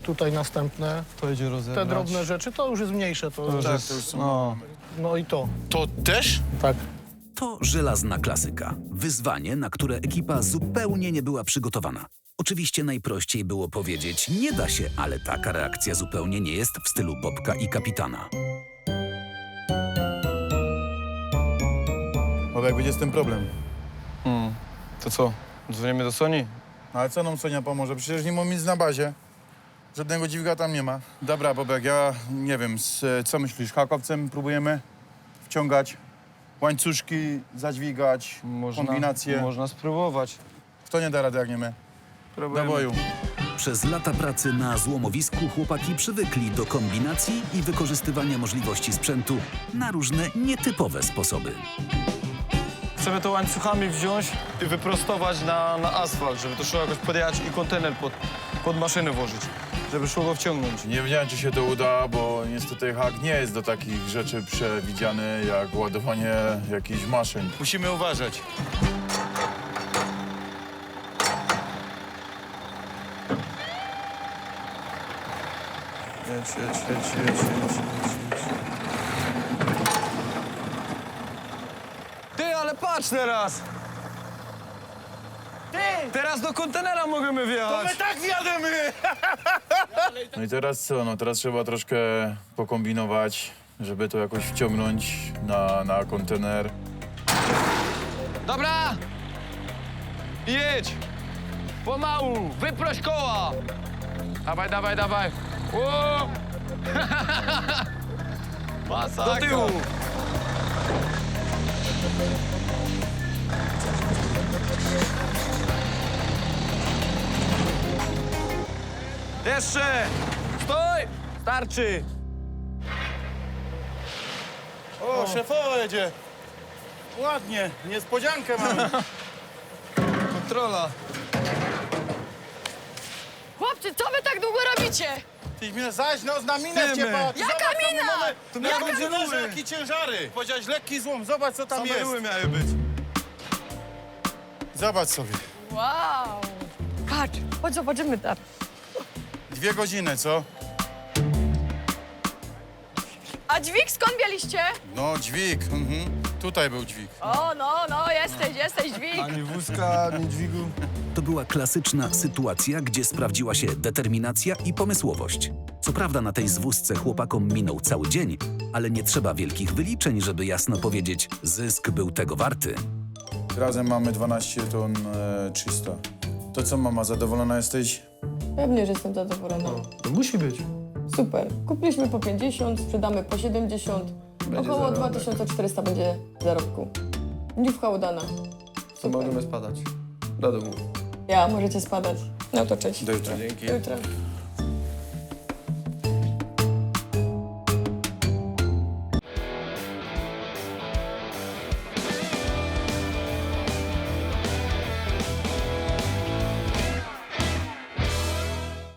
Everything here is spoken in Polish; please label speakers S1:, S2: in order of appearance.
S1: tutaj następne.
S2: To idzie rozebrać.
S1: Te drobne rzeczy to już jest mniejsze. To
S2: To już
S1: tak,
S2: jest,
S1: to już są,
S2: no.
S1: no i to,
S3: To też?
S1: tak.
S4: To żelazna klasyka. Wyzwanie, na które ekipa zupełnie nie była przygotowana. Oczywiście najprościej było powiedzieć, nie da się, ale taka reakcja zupełnie nie jest w stylu Bobka i kapitana.
S5: Bo jak będzie z tym problem.
S2: To co? Dzwonimy do Soni?
S5: No ale co nam Sonia pomoże? Przecież nie ma nic na bazie. Żadnego dźwiga tam nie ma. Dobra, Bobek, ja nie wiem, co myślisz? Hakowcem próbujemy wciągać, łańcuszki zadźwigać, kombinacje.
S2: Można spróbować.
S5: Kto nie da rady, jak nie my? Do boju.
S4: Przez lata pracy na złomowisku chłopaki przywykli do kombinacji i wykorzystywania możliwości sprzętu na różne nietypowe sposoby.
S2: Chcemy to łańcuchami wziąć i wyprostować na asfalt, żeby to szło jakoś podjechać i kontener pod maszynę włożyć, żeby szło go wciągnąć.
S5: Nie wiedziałem, czy się to uda, bo niestety hak nie jest do takich rzeczy przewidziany, jak ładowanie jakichś maszyn.
S3: Musimy uważać.
S2: Jedź. Ty, ale patrz teraz! Ty! Teraz do kontenera możemy wjechać.
S3: tak wjademy!
S5: No i teraz co? No teraz trzeba troszkę pokombinować, żeby to jakoś wciągnąć na kontener.
S2: Dobra! Jedź! Pomału! Wyproś koła! Dawaj! O! Masakra! Do tyłu! Jeszcze! Stój! Starczy!
S3: O, szefowa jedzie. Ładnie, niespodziankę mamy.
S2: Kontrola!
S6: Chłopcy, co wy tak długo robicie?
S3: Ty mnie zaś, no na minę
S2: Wiemy.
S3: wciepać.
S6: Jaka mina?
S3: To
S2: miały
S3: miały
S2: być
S3: ciężary.
S2: rury.
S3: Jakie ciężary? Powiedziałeś lekki złom, zobacz co tam jest.
S2: Same miały być.
S5: Zobacz sobie.
S6: Wow. Patrz, chodź zobaczymy tam.
S5: 2 godziny, co?
S6: A dźwig skąd mieliście?
S5: No, dźwig. Tutaj był dźwig.
S6: O, no, jesteś dźwig.
S2: Ani wózka, ani dźwigu.
S4: To była klasyczna sytuacja, gdzie sprawdziła się determinacja i pomysłowość. Co prawda na tej zwózce chłopakom minął cały dzień, ale nie trzeba wielkich wyliczeń, żeby jasno powiedzieć, zysk był tego warty.
S5: Razem mamy 12 ton 300. To co, mama, zadowolona jesteś?
S7: Pewnie, że jestem zadowolona.
S1: To musi być.
S7: Super. Kupiliśmy po 50, sprzedamy po 70. Około 2400 będzie zarobku. Dziwka udana.
S2: To możemy spadać. Do domu.
S7: Ja, możecie spadać. No to cześć.
S5: Do jutra.
S7: Do jutra.